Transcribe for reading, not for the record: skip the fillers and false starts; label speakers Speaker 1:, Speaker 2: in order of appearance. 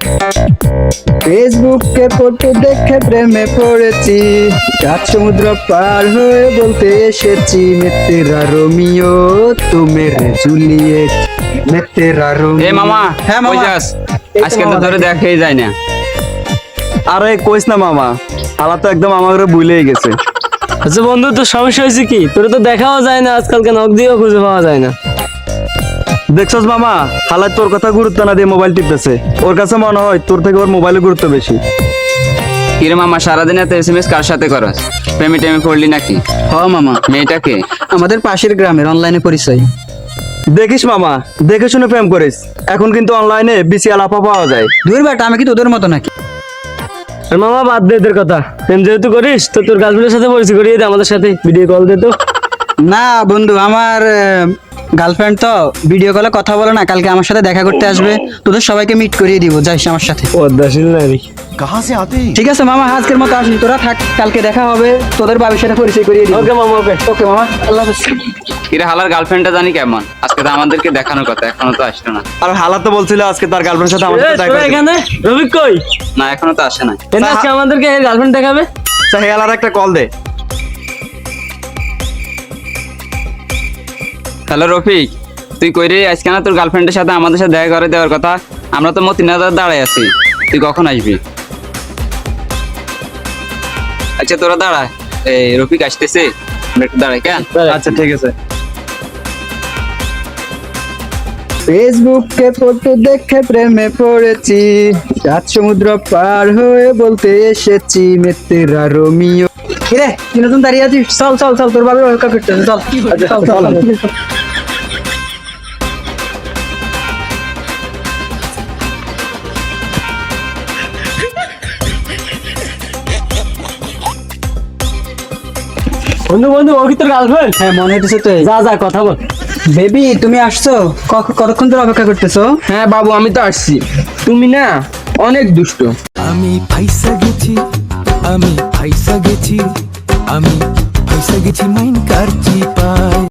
Speaker 1: ফেসবুকে ফটো দেখে প্রেমে পড়েছি, রাত সমুদ্র পার হয়ে বলতে এসেছি, মে তেরা রোমিও তু মেরে জুলিয়েট, মে তেরা রোমিও।
Speaker 2: এ মামা,
Speaker 1: হ্যাঁ
Speaker 2: কই
Speaker 1: মামা,
Speaker 2: যাস?
Speaker 1: এই তো
Speaker 2: আজকে তো
Speaker 1: মামা,
Speaker 2: ধরে দেখাই যায় না।
Speaker 3: আরে কইস না মামা, হালা তো একদম আমার ভুলেই গেছে।
Speaker 4: আচ্ছা বন্ধু, তোর সমস্যা হয়েছে কি? তোর তো দেখাও যায় না আজকালকে, নখ দিয়েও খুঁজে পাওয়া যায় না।
Speaker 3: দেখছস মামা, হালা তোর কথা গুরুত্ব না দিয়ে মোবাইল টিপতেছে। ওর কাছে মনে হয় তোর থেকে ওর মোবাইলের গুরুত্ব বেশি।
Speaker 2: কিরে মামা, সারাদিন এত এসএমএস কার সাথে করস? প্রেমে টেমে পড়লি নাকি?
Speaker 1: হ মামা,
Speaker 2: মেয়েটাকে?
Speaker 1: আমাদের পাশের গ্রামের, অনলাইনে পরিচয়।
Speaker 3: দেখিস মামা, দেখে শুনে প্রেম করিস। এখন কিন্তু অনলাইনে বিসি আলাপা পাওয়া যায়।
Speaker 1: দূর বেটা, আমি কি তোদের মতো নাকি?
Speaker 4: আর মামা বাদ দে এদের কথা, প্রেম যেহেতু করিস তো তোর গার্লফ্রেন্ডের সাথে পরিচয় করিয়ে দে আমাদের সাথে, ভিডিও কল দে তো।
Speaker 1: না বন্ধু, আমার গার্লফ্রেন্ড তো ভিডিও কলে কথা বলে না, কালকে আমার সাথে দেখা করতে আসবে, তোদের সবাইকে মিট করিয়ে দিব, যাইস আমার সাথে।
Speaker 4: পদ্মাশীল নারী।
Speaker 1: ঠিক আছে মামা, আজকের মতো আসনি, তোরা থাক, কালকে দেখা হবে, তোদের বাবির সাথে পরিচয় করিয়ে দিব।
Speaker 4: ওকে মামা, ওকে।
Speaker 1: ওকে মামা, আল্লাহ হাফেজ।
Speaker 2: কিরে হালার গার্লফ্রেন্ডটা জানি কেমন? আজকে তো আমাদেরকে দেখানোর কথা, এখনো তো আসলো না।
Speaker 3: আর হালা তো বলছিল আজকে তার গার্লফ্রেন্ডের সাথে আমার সাথে দেখা করতে।
Speaker 4: এখানে রবিক কই?
Speaker 2: না, এখনো তো আসে না।
Speaker 4: এনে আজকে আমাদেরকে গার্লফ্রেন্ড দেখাবে।
Speaker 3: আচ্ছা, হে হালার একটা কল দে।
Speaker 2: হ্যালো রফিক, তুই কই রে? আজকে না তোর গার্লফ্রেন্ডের সাথে আমাদের সাথে দেখা করে দেওয়ার কথা। আমরা তো মতিনাদার দাঁড়ায় আছি, তুই কখন আসবি? আচ্ছা তোরা দাঁড়া, এই রফিক আসতেছে, আমরা একটু দাঁড়াই কেন?
Speaker 3: আচ্ছা ঠিক আছে।
Speaker 1: ফেসবুকে ফটো দেখে প্রেমে পড়েছি, রাত সমুদ্র পার হয়ে বলতে এসেছি, মে তেরা রোমিও। কিরে, তুই নতুন দাঁড়িয়ে আছিস? চল চল চল, তোর বাবা ওয়েলকাম করতে হবে, চল চল চল।
Speaker 4: বন্ধু বন্ধু, ও কি তোর গার্লফ্রেন্ড?
Speaker 1: হ্যাঁ মনে হচ্ছে তো।
Speaker 4: যা যা কথা বল।
Speaker 1: বেবি, তুমি আসছো? কতক্ষণ ধরে অপেক্ষা করতেছো?
Speaker 5: হ্যাঁ বাবু, আমি তো আসছি। তুমি না অনেক দুষ্ট।
Speaker 6: আমি ফাইসা গেছি, আমি ফাইসা গেছি, আমি ফাইসা গেছি মাইন কার চিপায়।